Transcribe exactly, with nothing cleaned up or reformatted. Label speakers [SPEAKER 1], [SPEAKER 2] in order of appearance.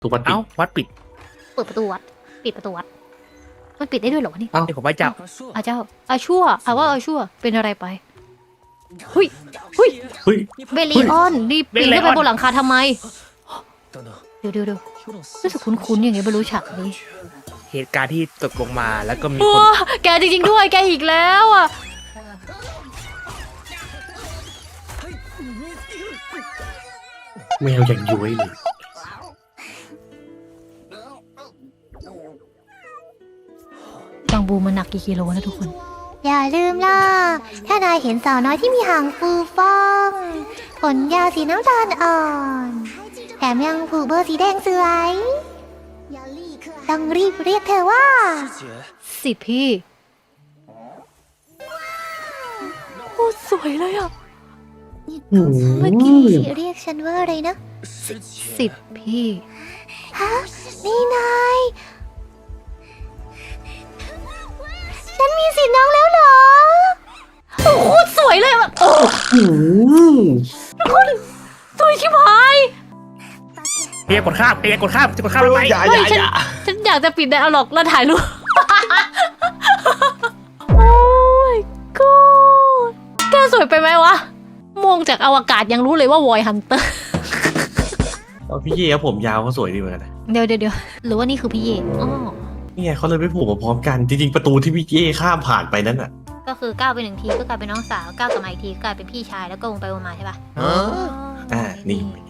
[SPEAKER 1] ถูกวัดปิด
[SPEAKER 2] เอ้าวัดปิด
[SPEAKER 3] เปิดประตูวัดปิดประตูวัดมันปิดได้ด้วยเหรอวะนี่
[SPEAKER 2] เดี๋ยวผมไปจับ
[SPEAKER 3] อาเจ้าอาชั่วอาว่าอาชั่วเป็นอะไรไปหุยหุย
[SPEAKER 1] เฮ้ย
[SPEAKER 3] เบลลีออนรีบปีนขึ้นไปบนหลังคาทำไมเดี๋ยวเดี๋ยวเดี๋ยวรู้สึกคุ้นๆอย่างไงไม่รู้ฉากนี้
[SPEAKER 2] เหตุการณ์ที่ตกลงมาแล้วก็มี
[SPEAKER 3] โอ้
[SPEAKER 2] คน
[SPEAKER 3] แกจริงๆด้วยแกอีกแล้วอ่ะ
[SPEAKER 1] แมวอย่างย้วยเลย
[SPEAKER 3] บางบูมันหนักกี่กิโลนะทุกคน อย่าลืมล่ะ ถ้านายเห็นสาวน้อยที่มีหางฟูฟ่องขนยาวสีน้ำตาลอ่อน แถมยังผูกเบอร์สีแดงสวยต้องรีบเรียกเธอว่า สิพี่โคตรสวยเลยอ่ะ
[SPEAKER 1] อืม
[SPEAKER 3] เมื่อกี้เรียกฉันว่าอะไรนะ สิบพี่ ฮะ นี่นาย ฉันมีสิทธิ์น้องแล้วเหรอ โอ้โหโคตรสวยเลยแบบโอ้
[SPEAKER 1] อืม
[SPEAKER 3] โคตรสวยชิบหาย
[SPEAKER 2] เพียกดข้ามเพียกดข้ามจะกดข้ามแล้วไป
[SPEAKER 1] อย่าอ
[SPEAKER 3] เฮ้ย
[SPEAKER 1] ย่า
[SPEAKER 3] ฉั
[SPEAKER 1] อน ย่า
[SPEAKER 3] ฉันอยากจะปิดไดอะล็อกแล้วถ่ายรูป โอ้ยกูแกสวยไปไหมวะ มองจากอวกาศยังรู้เลยว่าวอยฮันเตอร์
[SPEAKER 1] เอาพี่เย่ผมยาวเขาสวยดีเหมือนกันนะ
[SPEAKER 3] เดี๋ยวเดี๋ยวเดี๋ยวหรือว่านี่คือพี่เย่อ๋อ
[SPEAKER 1] นี่ไงเขาเลยไม่ผูกมาพร้อมกัน จริงๆประตูที่พี่เย่ข้ามผ่านไปนั้นอ่ะ
[SPEAKER 3] ก็คือก้าวไปหนึ่งทีก็กลายเป็นน้องสาวก้าวกลับมาอีกทีก็กลายเป็นพี่ชายแล้วก็วงไปวงมาใช่ปะ
[SPEAKER 1] อ่านี่